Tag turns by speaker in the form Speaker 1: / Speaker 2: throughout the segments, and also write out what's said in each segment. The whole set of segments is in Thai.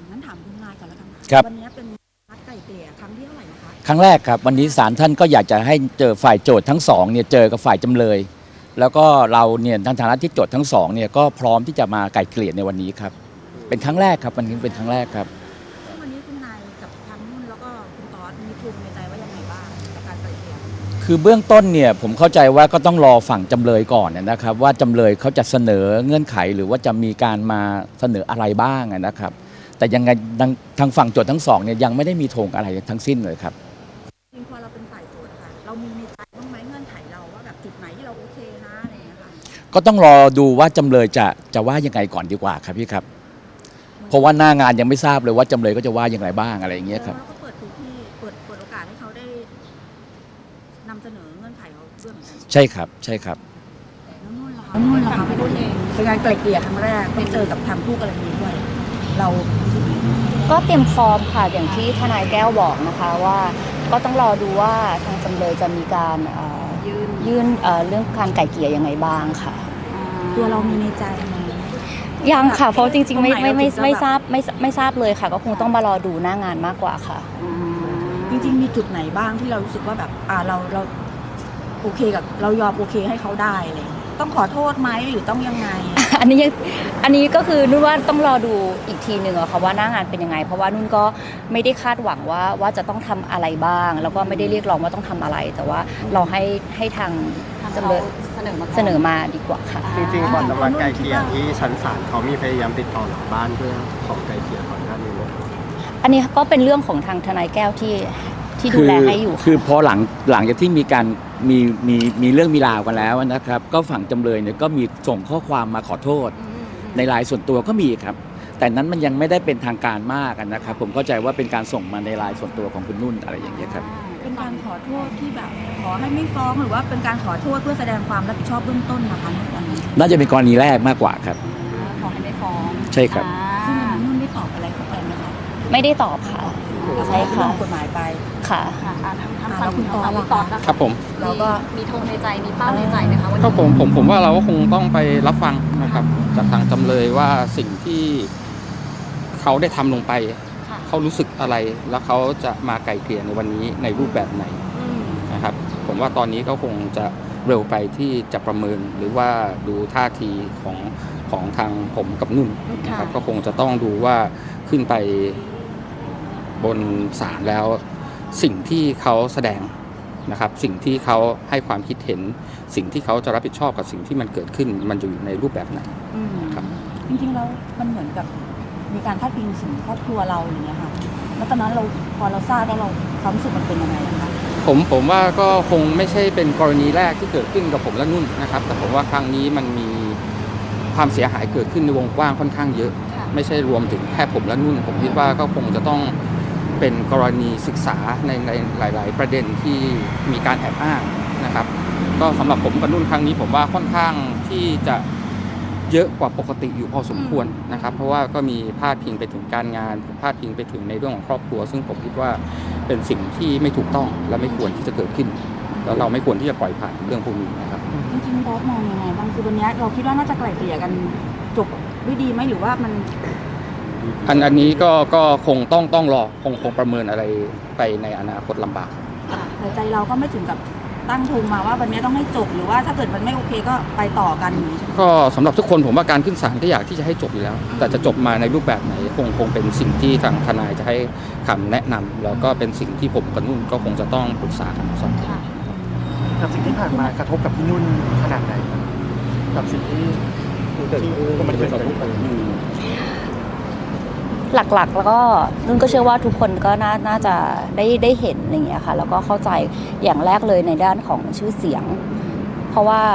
Speaker 1: งั้นถามคุณนายก่อนแล้วกัน
Speaker 2: ครับ
Speaker 1: วันนี้เป็นนัดไกล่เกลี่ยครั้งที่เท่าไหร่นะคะ
Speaker 2: ครั้งแรกครับวันนี้ศาลท่านก็อยากจะให้เจอฝ่ายโจทย์ทั้งสองเนี่ยเจอกับฝ่ายจำเลย แล้วก็เราเนี่ยในฐานะที่โจทย์ทั้งสองเนี่ยก็พร้อมที่จะมาไกล่เกลี่ยในวันนี้ครับเป็นครั้งแรกครับวันนี้เป็นครั้งแรกครับ
Speaker 1: ซึ่งวันนี้คุณนายกับทางนุ่นแล้วก็คุณตอสมีภูมิในใจว่ายังไงบ้างกับการไกล่เกลี่ย
Speaker 2: คือเบื้องต้นเนี่ยผมเข้าใจว่าก็ต้องรอฝั่งจำเลยก่อนนะครับว่าจำเลยเขาจะเสนอเงื่อนไขหรือว่าจะมีการมาเสนออะไรบ้างนะครับ แต่ยังไงทางฝั่งโจทย์ทั้งสองเนี่ยยังไม่ได้มีธงอะไรทั้งสิ้นเลยครับ
Speaker 1: จริงพอเราเป็นฝ่ายโจทย์ค่ะเรามีในใจบ้างไหมเงื่อนไขเราว่าแบบจุดไหนที่เราโอเคนะอะไรอย่างเงี้ยค่ะ
Speaker 2: ก็ต้องรอดูว่าจำเลยจะว่ายังไงก่อนดีกว่าครับพี่ครับเพราะว่าหน้างานยังไม่ทราบเลยว่าจำเลยก็จะว่าอย่างไรบ้างอะไรอย่างเงี้ยครับ
Speaker 1: แล้วก็เปิดพื้นที่เปิดโอกาสให้เขาได้นำเสนอเงื่อนไขเขาด้วยเหมือนกัน
Speaker 2: ใช่ครับใช่ครับ
Speaker 1: แล้วนุ่นล่ะคะนุ่นล่ะคะพี่นุ่นเองเป็นการไกล่เกลี่ยครั้งแรกต้องเจอกับทางคู่กรณีด้วยเรารู้สึกยังไง
Speaker 3: ก็เตรียมพร้อมค่ะอย่างที่ทนายแก้วบอกนะคะว่าก็ต้องรอดูว่าทางจำเลยจะมีการยื่นเรื่องการไก่เกลี่ยยังไงบ้างค่ะ
Speaker 1: ตัวเรามีในใจไหม
Speaker 3: ยังค่ะเพราะจริงๆไม่ไม่ไม่
Speaker 1: ตรงไหนเราถึงจะ
Speaker 3: ไม่ทราบไม่ทราบเลยค่ะ ก็คงต้องมารอดูหน้างานมากกว่าค่ะ
Speaker 1: จริงๆมีจุดไหนบ้างที่เรารู้สึกว่าแบบเราโอเคกับเรายอมโอเคให้เขาได้อะไรอย่างเงี้ยต้องขอโทษไหมหรือต้องยังไง
Speaker 3: อันนี้ก็คือนุ่นว่าต้องรอดูอีกทีหนึ่งอะค่ะว่าหน้างานเป็นยังไง เพราะว่านุ่นก็ไม่ได้คาดหวังว่าจะต้องทำอะไรบ้าง แล้วก็ไม่ได้เรียกร้องว่าต้องทำอะไร แต่ว่าเราให้ทางจำเลยเสนอมาดีกว่าค่ะ
Speaker 4: จริงๆก่อนจะมาไกลเกลี่ยที่ชั้นศาลเขามีพยายามติดต่อหลังบ้านเพื่อขอไกลเกลี่ยก่อนหน้านี้ไหม
Speaker 3: อันนี้ก็เป็นเรื่องของทางทนายแก้วที่ดูแลให้อยู่
Speaker 2: คือพอหลังจากที่มีการมีเรื่องมีราวกันแล้วนะครับ ก็ฝั่งจำเลยเนี่ยก็มีส่งข้อความมาขอโทษ ในไลน์ส่วนตัวก็มีครับ แต่นั้นมันยังไม่ได้เป็นทางการมากนะครับ ผมเข้าใจว่าเป็นการส่งมาในไลน์ส่วนตัวของคุณนุ่นอะไรอย่างเงี้ยครับ
Speaker 1: เป็นการขอโทษที่แบบขอให้ไม่ฟ้องหรือว่าเป็นการขอโทษเพื่อแสดงความรับผิดชอบเบื้องต้นนะคะในวันนี้
Speaker 2: น่าจะเป็นกรณีแรกมากกว่าครับ
Speaker 3: ขอให้ไม่ฟ้อง
Speaker 2: ใช่ครับ
Speaker 1: ซึ่งวันนี้นุ่นได้ตอบอะไรเขาไปไหมคะ
Speaker 3: ไม่ได้ตอบค่ะ ใช่ค่ะ
Speaker 1: เรื่องกฎหมายไป
Speaker 3: ค่ะ
Speaker 1: แล้วคุณตอสล่ะคะ
Speaker 5: ครับผม
Speaker 1: เราก็
Speaker 3: มีธงในใจมีเป้าในใจไหมคะว่า
Speaker 5: ก็ผมว่าเราก็คงต้องไปรับฟังนะครับจากทางจำเลยว่าสิ่งที่เขาได้ทำลงไป เขารู้สึกอะไรแล้วเขาจะมาไกลเกลี่ยในวันนี้ในรูปแบบไหนนะครับผมว่าตอนนี้ก็คงจะเร็วไปที่จะประเมินหรือว่าดูท่าทีของทางผมกับนุ่นนะครับก็คงจะต้องดูว่าขึ้นไปบนศาลแล้วสิ่งที่เขาแสดงนะครับสิ่งที่เขาให้ความคิดเห็นสิ่งที่เขาจะรับผิดชอบกับสิ่งที่มันเกิดขึ้นมันจะอยู่ในรูปแบบไหนครับ
Speaker 1: จริงๆแล้วมันเหมือนกับมีการพาดพิงถึงครอบครัวเราอย่างเงี้ยค่ะแล้วตอนนั้นพอเราทราบแล้วเราความรู้สึกมันเป็นยังไงคะ
Speaker 5: ผมว่าก็คงไม่ใช่เป็นกรณีแรกที่เกิดขึ้นกับผมและนุ่นนะครับ แต่ผมว่าครั้งนี้มันมีความเสียหายเกิดขึ้นในวงกว้างค่อนข้างเยอะ ไม่ใช่รวมถึงแค่ผมและนุ่นผมคิดว่าก็คงจะต้องเป็นกรณีศึกษาในหลาย ๆ ประเด็นที่มีการแอบอ้างนะครับ ก็สำหรับผมกับนุ่นครั้งนี้ผมว่าค่อนข้างที่จะเยอะกว่าปกติอยู่พอสมควรนะครับ เพราะว่าก็มีพาดพิงไปถึงการงานพาดพิงไปถึงในเรื่องของครอบครัว ซึ่งผมคิดว่าเป็นสิ่งที่ไม่ถูกต้องและไม่ควรที่จะเกิดขึ้น แล้วเราไม่ควรที่จะปล่อยผ่านเรื่องพวกนี้นะครับ
Speaker 1: จริงๆบอสมองยังไงบ้างคือวันนี้เราคิดว่าน่าจะไกล่เกลี่ยกันจบด้วยดีไหมหรือว่ามัน
Speaker 5: อันนี้ก็คงต้องรอคงประเมินอะไรไปในอนาคตลำบาก
Speaker 1: แต่ใจเราก็ไม่ถึงกับตั้งธงมาว่าวันนี้ต้องให้จบหรือว่าถ้าเกิดมันไม่โอเคก็ไปต่อกันอย่างนี้ใช่ไหม
Speaker 5: ก็สำหรับทุกคนผมว่าการขึ้นศาลก็อยากที่จะให้จบอยู่แล้ว แต่จะจบมาในรูปแบบไหนคงเป็นสิ่งที่ทางทนายจะให้คำแนะนำแล้วก็เป็นสิ่งที่ผมกับนุ่นก็คงจะต้องปรึกษากันสองคน
Speaker 4: กับสิ่งที่ผ่านมากระทบกับพี่นุ่นขนาดไหนครับกับสิ่งที่มันเกิดขึ้น
Speaker 3: หลักๆแล้วก็นุ่นก็เชื่อว่าทุกคนก็น่าจะได้เห็นอะไรอย่างเงี้ยค่ะแล้วก็เข้าใจอย่างแรกเลยในด้านของชื่อเสียง เพราะว่า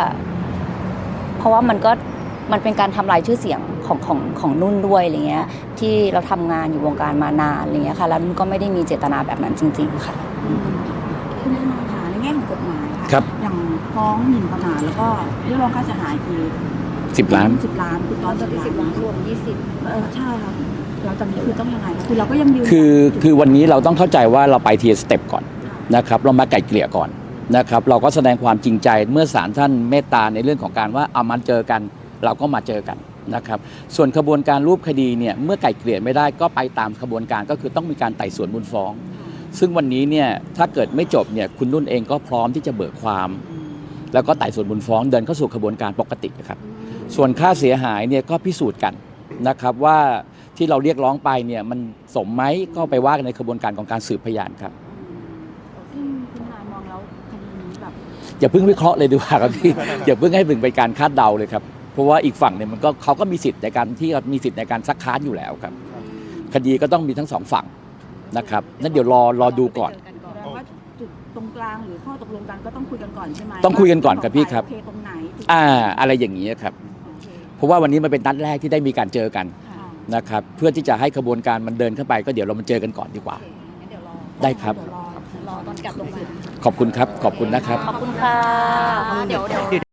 Speaker 3: มันเป็นการทำลายชื่อเสียงของนุ่นด้วยอะไรเงี้ยที่เราทำงานอยู่วงการมานานอะไรเงี้ยค่ะแล้วนุ่นก็ไม่ได้มีเจตนาแบบนั้นจริงๆค่ะ
Speaker 1: คุณทนายคะในแง่ของกฎหมายค่ะ
Speaker 2: ครับ
Speaker 1: อย่างฟ้องหมิ่นประมาทแล้วก็เรียกร้องค่าเสียหายคือ
Speaker 2: 10 ล้าน
Speaker 1: 10 ล้านคุณตอน10 ล้านรวม20ใช่ครับหลังจากนี้คือต้องยังไงคือเราก็ยังยืน
Speaker 2: คือวันนี้เราต้องเข้าใจว่าเราไปทีละสเต็ปก่อนนะครับเรามาไกล่เกลี่ยก่อนนะครับเราก็แสดงความจริงใจเมื่อศาลท่านเมตตาในเรื่องของการว่าเอามาเจอกันเราก็มาเจอกันนะครับส่วนขบวนการรูปคดีเนี่ยเมื่อไก่เกลี่ยไม่ได้ก็ไปตามขบวนการก็คือต้องมีการไต่สวนมูลฟ้อง ซึ่งวันนี้เนี่ยถ้าเกิดไม่จบเนี่ยคุณนุ่นเองก็พร้อมที่จะเบิกความ แล้วก็ไต่สวนมูลฟ้องเดินเข้าสู่ขบวนการปกติครับส่วนค่าเสียหายเนี่ยก็พิสูจน์กันนะครับว่าที่เราเรียกร้องไปเนี่ยมันสมไหมก็ไปว่ากันในขบวนการของการสืบพยานครับ
Speaker 1: ซึ่งคุณนายมองแล้วคดีนี้แบบ
Speaker 2: อย่าเพิ่งวิเคราะห์เลยดีกว่าครับพี่ อย่าเพิ่งให้เป็นการคาดเดาเลยครับเพราะว่าอีกฝั่งเนี่ยมันก็เขาก็มีสิทธิ์ในการที่มีสิทธิ์ในการซักค้านอยู่แล้วครับคดีก็ต้องมีทั้งสองฝั่งนะครับนั่นเดี๋ยวรอดูก่อน
Speaker 1: แสดงว่าจุดตรงกลางหรือข้อตกลงกันก็ต้องคุยกันก่อนใช่ไหม
Speaker 2: ต้องคุยกันก่อนครับพี่ครับ
Speaker 1: โอเคตรงไหนจุด
Speaker 2: อะไรอย่างนี้ครับ
Speaker 1: โอเค
Speaker 2: เพราะว่าวันนี้มันเป็นนัดแรกที่ได้มีการเจอกัน
Speaker 1: ค่ะ
Speaker 2: นะครับเพื่อที่จะให้ขบวนการมันเดินเข้าไปก็เดี๋ยวเรามาเจอกันก่อนดีกว่า
Speaker 1: งั้นเดี๋ยวรอ
Speaker 2: ได้ครับ
Speaker 1: เดี๋ยวรอตอนกลับลงมา
Speaker 2: ขอบคุณครับขอบคุณนะครับ
Speaker 3: ขอบคุณค่ะเดี๋ยว